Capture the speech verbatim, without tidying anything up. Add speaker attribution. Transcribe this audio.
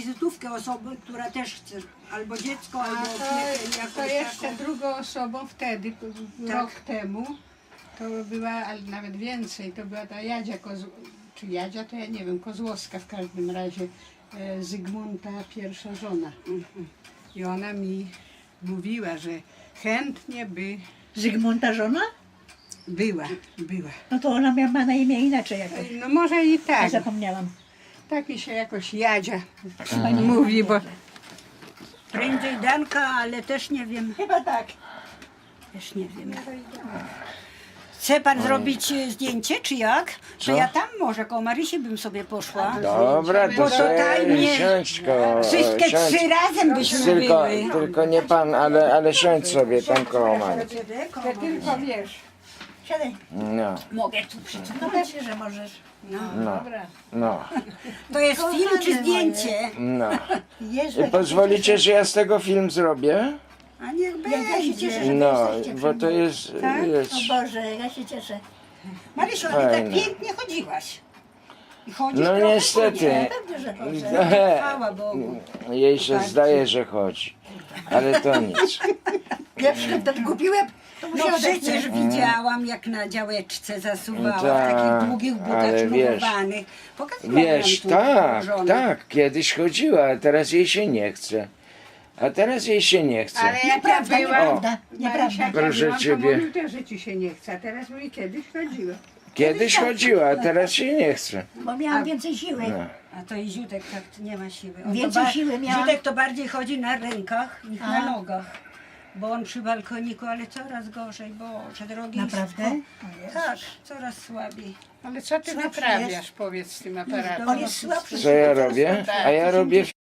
Speaker 1: wizytówkę osoby, która też chce, albo dziecko,
Speaker 2: A
Speaker 1: albo
Speaker 2: to,
Speaker 1: opiekę
Speaker 2: to
Speaker 1: jakąś
Speaker 2: jeszcze
Speaker 1: taką.
Speaker 2: drugą osobą wtedy,
Speaker 1: Tak.
Speaker 2: rok temu, to była, ale nawet więcej, to była ta Jadzia Kozł... czy Jadzia, to ja nie wiem, Kozłowska w każdym razie, e, Zygmunta pierwsza żona. I ona mi mówiła, że chętnie by
Speaker 3: Zygmunta żona?
Speaker 2: była, była.
Speaker 3: No to ona miała ma na imię inaczej jakoś.
Speaker 2: No może i
Speaker 3: Ja
Speaker 2: tak,
Speaker 3: zapomniałam.
Speaker 2: tak mi się jakoś Jadzia
Speaker 3: Chyba nie
Speaker 2: mówi, bo
Speaker 1: Prędzej Danka, ale też nie wiem,
Speaker 3: Chyba tak.
Speaker 1: też nie wiem. Chce pan zrobić e, zdjęcie, czy jak? To
Speaker 4: Co?
Speaker 1: ja tam może koło Marysi bym sobie poszła.
Speaker 4: Dobra,
Speaker 1: Bo
Speaker 4: to
Speaker 1: tutaj
Speaker 4: sobie
Speaker 1: nie-
Speaker 4: siądź ko,
Speaker 1: Wszystkie
Speaker 4: siądź.
Speaker 1: trzy razem byśmy
Speaker 4: Tylko,
Speaker 1: były.
Speaker 4: tylko nie pan, ale, ale siądź sobie tam koło mamy.
Speaker 2: to tylko wiesz.
Speaker 3: Siadaj.
Speaker 4: No,
Speaker 1: Mogę tu przyjść.
Speaker 3: No pewnie, że możesz.
Speaker 4: no,
Speaker 2: Dobra.
Speaker 4: no,
Speaker 1: To jest film czy zdjęcie?
Speaker 4: no.
Speaker 3: Jezu,
Speaker 4: I
Speaker 3: jak
Speaker 4: pozwolicie, że ja z tego film zrobię?
Speaker 1: A niech
Speaker 3: Jak ja się cieszę,
Speaker 1: będzie.
Speaker 3: że
Speaker 4: No,
Speaker 3: wy jesteście
Speaker 4: bo
Speaker 3: przy
Speaker 4: to
Speaker 3: mnie.
Speaker 4: jest, jest...
Speaker 3: O Boże, ja się cieszę.
Speaker 1: Marysiu, ale tak
Speaker 4: Fajne.
Speaker 1: pięknie chodziłaś. I chodzisz
Speaker 4: No
Speaker 1: trochę
Speaker 4: niestety.
Speaker 1: później.
Speaker 3: Pewnie, że chodzę.
Speaker 1: Chwała Bogu.
Speaker 4: Jej się zdaje, że chodzi. Ale to nic.
Speaker 3: Pierwszy ten kupiłem, to
Speaker 1: No
Speaker 3: musiałam
Speaker 1: przecież
Speaker 3: dać.
Speaker 1: widziałam, jak na działeczce zasuwała w
Speaker 4: Tak,
Speaker 1: takich długich butach
Speaker 4: ale wiesz,
Speaker 1: sznurowanych. Pokazywałam
Speaker 4: Wiesz,
Speaker 1: tu
Speaker 4: tak,
Speaker 1: żonę.
Speaker 4: tak, kiedyś chodziła, a teraz jej się nie chce. A teraz jej się nie chce.
Speaker 2: Ale jak ja
Speaker 3: Nieprawda,
Speaker 2: byłam,
Speaker 3: nieprawda, nieprawda.
Speaker 2: Marysia, jak ja
Speaker 4: Proszę
Speaker 2: byłam, to
Speaker 4: ciebie.
Speaker 2: mówił też, że ci się nie chce, a teraz mówi, kiedyś chodziła.
Speaker 4: Kiedyś chodziła, a teraz się nie chce.
Speaker 3: Bo miałam więcej siły.
Speaker 4: No.
Speaker 1: A to i Ziutek tak nie ma siły. On
Speaker 3: Więcej
Speaker 1: to ba-
Speaker 3: siły miałam.
Speaker 1: Ziutek to bardziej chodzi na rękach niż
Speaker 3: A.
Speaker 1: na nogach. Bo on przy balkoniku, ale coraz gorzej, Boże drogi.
Speaker 3: Naprawdę?
Speaker 1: Tak, coraz słabiej.
Speaker 2: Ale co ty
Speaker 3: Słabszy
Speaker 2: wyprawiasz,
Speaker 3: jest.
Speaker 2: powiedz z tym aparatem?
Speaker 3: On jest słabszy.
Speaker 4: Co ja robię? A ja robię